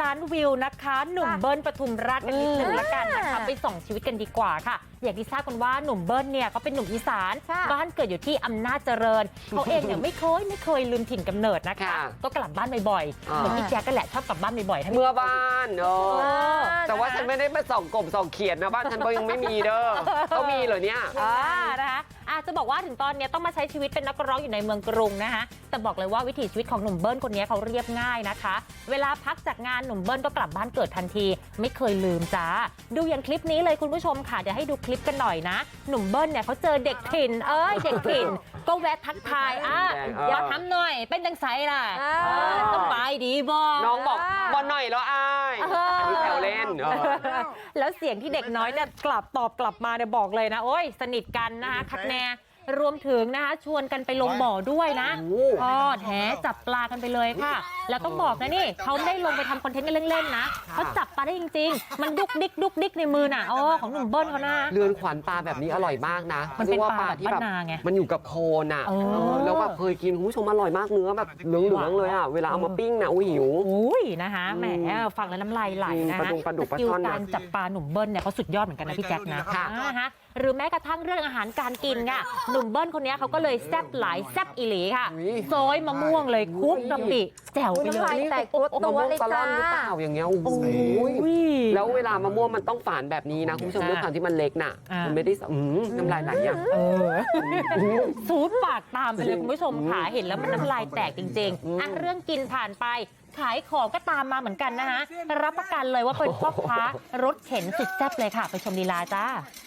ล้านวิวนะคะหนุ่มเบิ้ลปทุมราชกันนิดนึงละกันนะคะไปส่องชีวิตกันดีกว่าค่ะอย่างที่ทราบกันว่าหนุ่มเบิ้ลเนี่ยเขาเป็นหนุ่มอีสานบ้านเกิดอยู่ที่อำนาจเจริญเขาเองเนี่ยไม่เคยลืมถิ่นกำเนิดนะคะก็กลับบ้านบ่อยๆเหมือนพี่แจ๊กก็แหละชอบกลับบ้านบ่อยๆเมื่อบ้านแต่ว่าฉันไม่ได้มาส่องกบส่องเขียนนะบ้านฉันก็ยังไม่มีเด้อเขามีเหรอเนี่ยนะคะจะบอกว่าถึงตอนนี้ต้องมาใช้ชีวิตเป็นนักร้องอยู่ในเมืองกรุงนะคะแต่บอกเลยว่าวิถีชีวิตของหนุ่มเบิ้ลคนนี้เขาเรียบง่ายนะคะเวลาพักจากงานหนุ่มเบิ้ลก็กลับบ้านเกิดทันทีไม่เคยลืมจ้าดูอย่างคลิปนี้เลยคุณผู้ชมค่ะเดี๋ยวให้ดูคลิปกันหน่อยนะหนุ่มเบิ้ลเนี่ยเขาเจอเด็กถิ่นเด็กถิ่นก็แวะทักทายเดี๋ยวทำหน่อยเป็นจังไสล่ะสบายดีบ่น้องบอกบ่หน่อยแล้วอายมีแถวเล่นแล้วเสียงที่เด็กน้อยเนี่ยตอบกลับมาเนี่ยบอกเลยนะโอ้ยสนิทกันนะคะคักแน่รวมถึงนะคะชวนกันไปลงบ่อด้วยนะแถจับปลากันไปเลยค่ะแล้วต้องบอกนะนี่เขาไม่ได้ลงไปทำคอนเทนต์กันเล่นๆนะเขาจับปลาได้จริงๆมันดุกดิกในมือน่ะของหนุ่มเบิ้ลเขานะเรือนขวัญปลาแบบนี้อร่อยมากนะมันเป็นปลาที่แบบมันอยู่กับโคลนอ่ะแล้วแบบเคยกินคุณผู้ชมอร่อยมากเนื้อแบบเหลืองๆเลยอ่ะเวลาเอามาปิ้งนะหิวนะคะแหมฟังแล้วน้ำลายไหลนะคะสกิลการจับปลาหนุ่มเบิ้ลเนี่ยเขาสุดยอดเหมือนกันนะพี่แจ๊คนะคะหรือแม้กระทั่งเรื่องอาหารการกินค่ะหนุ่มเบิ้ลคนนี้เขาก็เลยแซ่บหลายแซ่บอีหลีค่ะซอยมะม่วงเลยคุกกะปิแจ่วไปเลยแต่ตัวเลยจ้าหรือเปล่าอย่างเงี้ยโอ้ยแล้วเวลามะม่วงมันต้องฝานแบบนี้นะคุณผู้ชมด้วยความที่มันเล็กน่ะมันไม่ได้น้ำลายไหลอย่างซูดปากตามไปเลยคุณผู้ชมค่ะเห็นแล้วมันน้ำลายแตกจริงๆเรื่องกินผ่านไปขายของก็ตามมาเหมือนกันนะคะรับประกันเลยว่าเป็นพ่อค้ารถเข็นสุดแซ่บเลยค่ะไปชมลีลาจ้า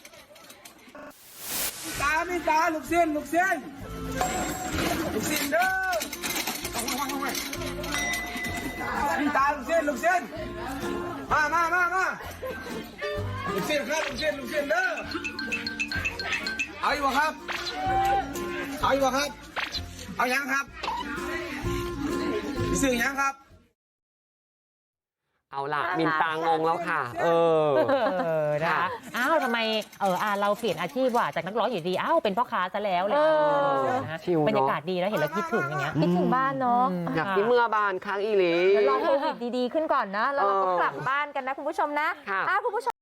มีตาลูกเส้นเด้อมีตาลูกเส้นมาลูกเส้นครับลูกเส้นเด้อเอาอยู่ครับเอายังครับซื้อยังครับเอาล่ะมินตางงแล้วค่ะนะคะทำไมเราเปลี่ยนอาชีพว่ะจากนักร้องอยู่ดีเป็นพ่อค้าซะแล้วเลยบรรยากาศดีแล้วเห็นแล้วคิดถึงอย่างเงี้ยคิดถึงบ้านเนาะอยากที่เมื่อบ้านค้างอีหลีรอโควิดดีๆขึ้นก่อนนะแล้วเราก็กลับบ้านกันนะคุณผู้ชมนะคุณผู้ชม